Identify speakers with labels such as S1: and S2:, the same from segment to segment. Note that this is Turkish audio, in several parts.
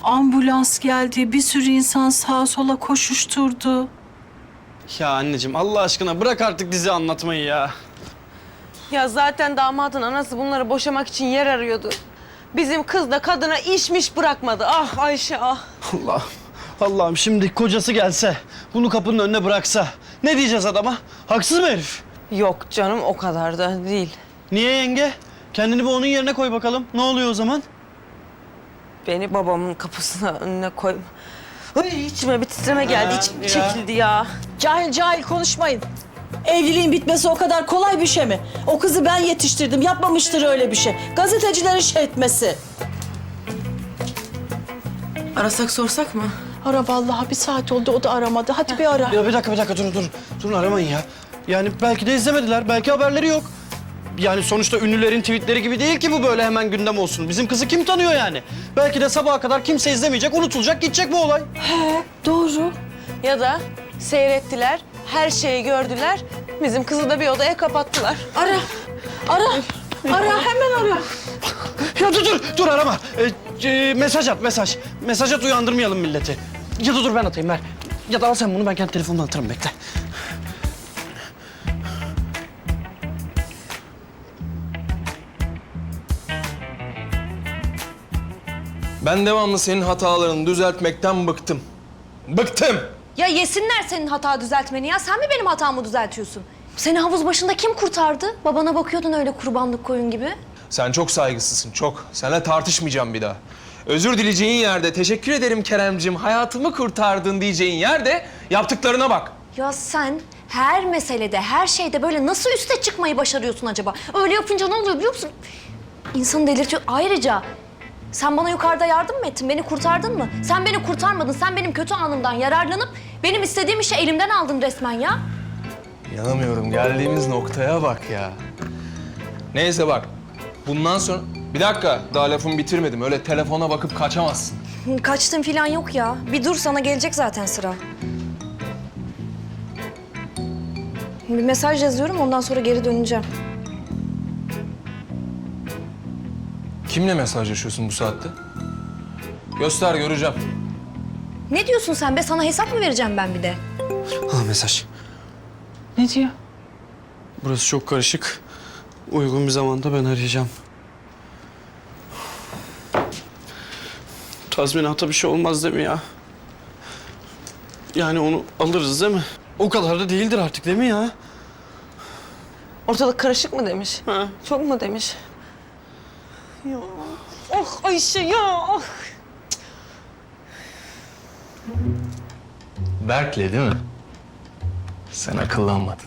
S1: Ambulans geldi, bir sürü insan sağa sola koşuşturdu.
S2: Ya anneciğim Allah aşkına bırak artık dizi anlatmayı ya.
S3: Ya zaten damadın anası bunları boşamak için yer arıyordu. Bizim kız da kadına işmiş bırakmadı. Ah Ayşe ah.
S2: Allah'ım şimdi kocası gelse, bunu kapının önüne bıraksa ne diyeceğiz adama? Haksız mı herif?
S3: Yok canım o kadar da değil.
S2: Niye yenge? Kendini bir onun yerine koy bakalım. Ne oluyor o zaman?
S3: Beni babamın kapısına önüne koyma. Ay, içime bir titreme geldi. İçim
S2: ya.
S3: çekildi ya.
S4: Cahil cahil konuşmayın. Evliliğin bitmesi o kadar kolay bir şey mi? O kızı ben yetiştirdim. Yapmamıştır öyle bir şey. Gazetecilerin şey etmesi.
S3: Arasak sorsak mı?
S4: Ara vallahi, bir saat oldu o da aramadı. Hadi bir ara.
S2: Ya bir dakika durun. Durun aramayın ya. Yani belki de izlemediler, belki haberleri yok. Yani sonuçta ünlülerin tweetleri gibi değil ki bu böyle hemen gündem olsun. Bizim kızı kim tanıyor yani? Belki de sabaha kadar kimse izlemeyecek, unutulacak, gidecek bu olay.
S4: Doğru.
S3: Ya da seyrettiler, her şeyi gördüler. Bizim kızı da bir odaya kapattılar.
S4: Ara. Hemen ara.
S2: Ya dur arama. Mesaj at, mesaj. Mesaj at, uyandırmayalım milleti. Ya da dur ben atayım ver. Ya da al sen bunu, ben kendi telefonumdan atarım, bekle.
S5: Ben devamlı senin hatalarını düzeltmekten bıktım. Bıktım!
S6: Ya yesinler senin hata düzeltmeni ya. Sen mi benim hatamı düzeltiyorsun? Seni havuz başında kim kurtardı? Babana bakıyordun öyle kurbanlık koyun gibi.
S5: Sen çok saygısızsın, çok. Seninle tartışmayacağım bir daha. Özür dileyeceğin yerde, teşekkür ederim Keremcim, hayatımı kurtardın diyeceğin yerde yaptıklarına bak.
S6: Ya sen her meselede, her şeyde böyle nasıl üste çıkmayı başarıyorsun acaba? Öyle yapınca ne oluyor biliyor musun? İnsanı delirtiyor. Ayrıca sen bana yukarıda yardım mı ettin? Beni kurtardın mı? Sen beni kurtarmadın. Sen benim kötü anımdan yararlanıp benim istediğim işi elimden aldın resmen ya.
S5: İnanamıyorum, geldiğimiz noktaya bak ya. Neyse bak, bundan sonra... Bir dakika, daha lafımı bitirmedim. Öyle telefona bakıp kaçamazsın.
S6: Kaçtığın falan yok ya. Bir dur, sana gelecek zaten sıra. Bir mesaj yazıyorum, ondan sonra geri döneceğim.
S5: Kimle mesajlaşıyorsun bu saatte? Göster, göreceğim.
S6: Ne diyorsun sen be? Sana hesap mı vereceğim ben bir de?
S2: Ha mesaj.
S4: Ne diyor?
S2: Burası çok karışık. Uygun bir zamanda ben arayacağım. Tazminata bir şey olmaz değil mi ya? Yani onu alırız değil mi? O kadar da değildir artık değil mi ya?
S3: Ortalık karışık mı demiş?
S2: Ha.
S3: Çok mu demiş? Ya. Oh Ayşe ya. Oh.
S5: Berk'le değil mi? Sen akıllanmadın.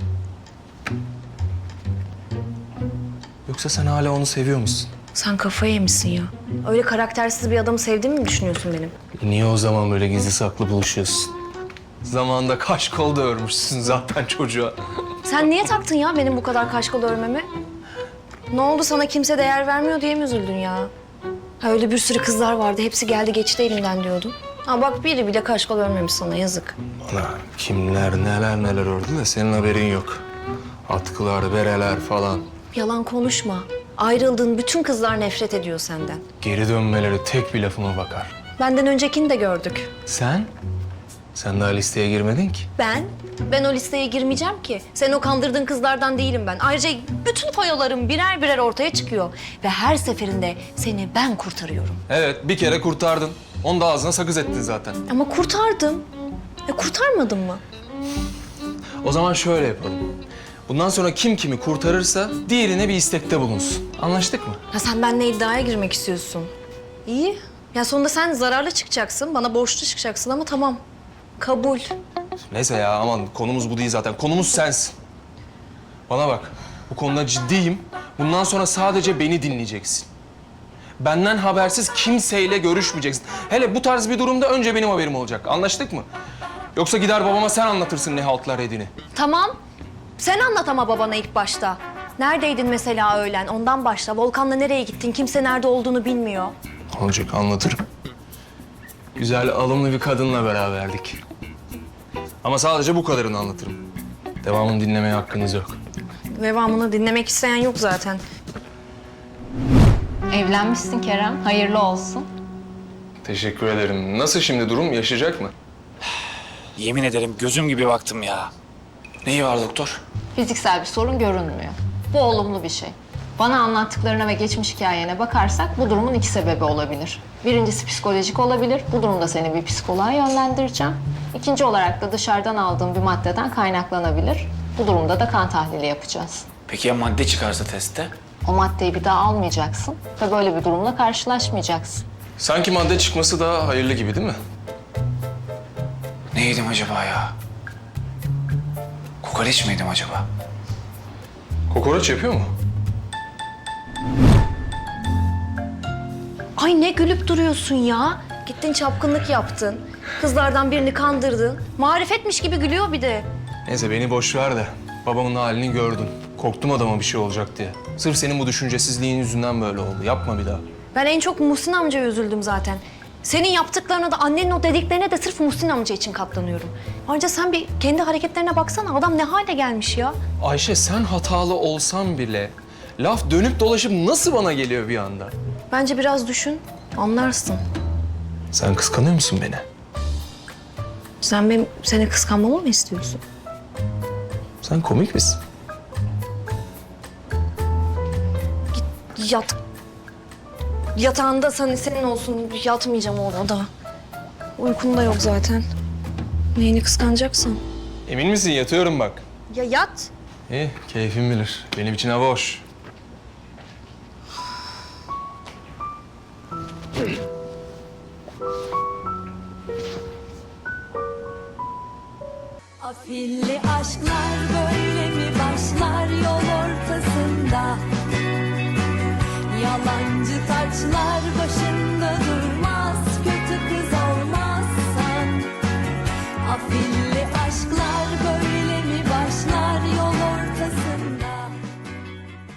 S5: Yoksa sen hala onu seviyor musun?
S6: Sen kafayı yemişsin ya. Öyle karaktersiz bir adamı sevdiğimi mi düşünüyorsun benim?
S5: Niye o zaman böyle gizli saklı buluşuyorsun? Zamanında kaş kol da örmüşsün zaten çocuğa.
S6: Sen niye taktın ya benim bu kadar kaşkol örmemi? Ne oldu, sana kimse değer vermiyor diye mi üzüldün ya? Ha, öyle bir sürü kızlar vardı, hepsi geldi geçti elimden diyordun. Ha bak, biri bile kaşkol örmemiş sana, yazık.
S5: Ana kimler neler ördü de senin haberin yok. Atkılar, bereler falan.
S6: Yalan konuşma. Ayrıldığın bütün kızlar nefret ediyor senden.
S5: Geri dönmeleri tek bir lafıma bakar.
S6: Benden öncekini de gördük.
S5: Sen? Sen daha listeye girmedin ki.
S6: Ben o listeye girmeyeceğim ki. Sen o kandırdığın kızlardan değilim ben. Ayrıca bütün foyalarım birer birer ortaya çıkıyor. Ve her seferinde seni ben kurtarıyorum.
S5: Evet, bir kere kurtardın. Onu da ağzına sakız ettin zaten.
S6: Ama kurtardım. Kurtarmadın mı?
S5: O zaman şöyle yapalım. Bundan sonra kim kimi kurtarırsa diğerine bir istekte bulunsun. Anlaştık mı?
S6: Ha, sen benimle iddiaya girmek istiyorsun. İyi. Ya sonunda sen zararlı çıkacaksın, bana borçlu çıkacaksın ama tamam. Kabul.
S5: Neyse ya aman konumuz bu değil zaten. Konumuz sensin. Bana bak. Bu konuda ciddiyim. Bundan sonra sadece beni dinleyeceksin. Benden habersiz kimseyle görüşmeyeceksin. Hele bu tarz bir durumda önce benim haberim olacak. Anlaştık mı? Yoksa gider babama sen anlatırsın ne haltlar yediğini.
S6: Tamam. Sen anlat ama babana ilk başta. Neredeydin mesela öğlen? Ondan başla. Volkan'la nereye gittin? Kimse nerede olduğunu bilmiyor.
S5: Olacak anlatırım. Güzel alımlı bir kadınla beraberdik. Ama sadece bu kadarını anlatırım. Devamını dinlemeye hakkınız yok.
S6: Devamını dinlemek isteyen yok zaten.
S7: Evlenmişsin Kerem. Hayırlı olsun.
S5: Teşekkür ederim. Nasıl şimdi durum? Yaşayacak mı?
S7: Yemin ederim gözüm gibi baktım ya. Neyi var doktor?
S8: Fiziksel bir sorun görünmüyor. Bu olumlu bir şey. Bana anlattıklarına ve geçmiş hikayene bakarsak bu durumun iki sebebi olabilir. Birincisi psikolojik olabilir. Bu durumda seni bir psikoloğa yönlendireceğim. İkinci olarak da dışarıdan aldığım bir maddeden kaynaklanabilir. Bu durumda da kan tahlili yapacağız.
S7: Peki ya madde çıkarsa testte?
S8: O maddeyi bir daha almayacaksın ve böyle bir durumla karşılaşmayacaksın.
S5: Sanki madde çıkması daha hayırlı gibi değil mi?
S7: Ne yedim acaba ya? Kokoreç mi yedim acaba?
S5: Kokoreç yapıyor mu?
S6: Ay ne gülüp duruyorsun ya. Gittin çapkınlık yaptın. Kızlardan birini kandırdın. Marifetmiş gibi gülüyor bir de.
S5: Neyse beni boş ver de babamın halini gördün. Korktum adama bir şey olacak diye. Sırf senin bu düşüncesizliğin yüzünden böyle oldu. Yapma bir daha.
S6: Ben en çok Muhsin amcaya üzüldüm zaten. Senin yaptıklarına da annenin o dediklerine de sırf Muhsin amca için katlanıyorum. Ayrıca sen bir kendi hareketlerine baksana. Adam ne hale gelmiş ya.
S5: Ayşe sen hatalı olsan bile laf dönüp dolaşıp nasıl bana geliyor bir anda?
S6: Bence biraz düşün, anlarsın.
S5: Sen kıskanıyor musun beni?
S6: Sen benim seni kıskanmamı mı istiyorsun?
S5: Sen komik misin?
S6: Yat. Yatağında senin olsun. Yatmayacağım orada. Uykun da yok zaten. Neyini kıskanacaksın?
S5: Emin misin? Yatıyorum bak.
S6: Ya yat.
S5: İyi, keyfin bilir. Benim için hava hoş.
S9: Afilli aşklar böyle mi başlar yol ortasında? Yalancı taçlar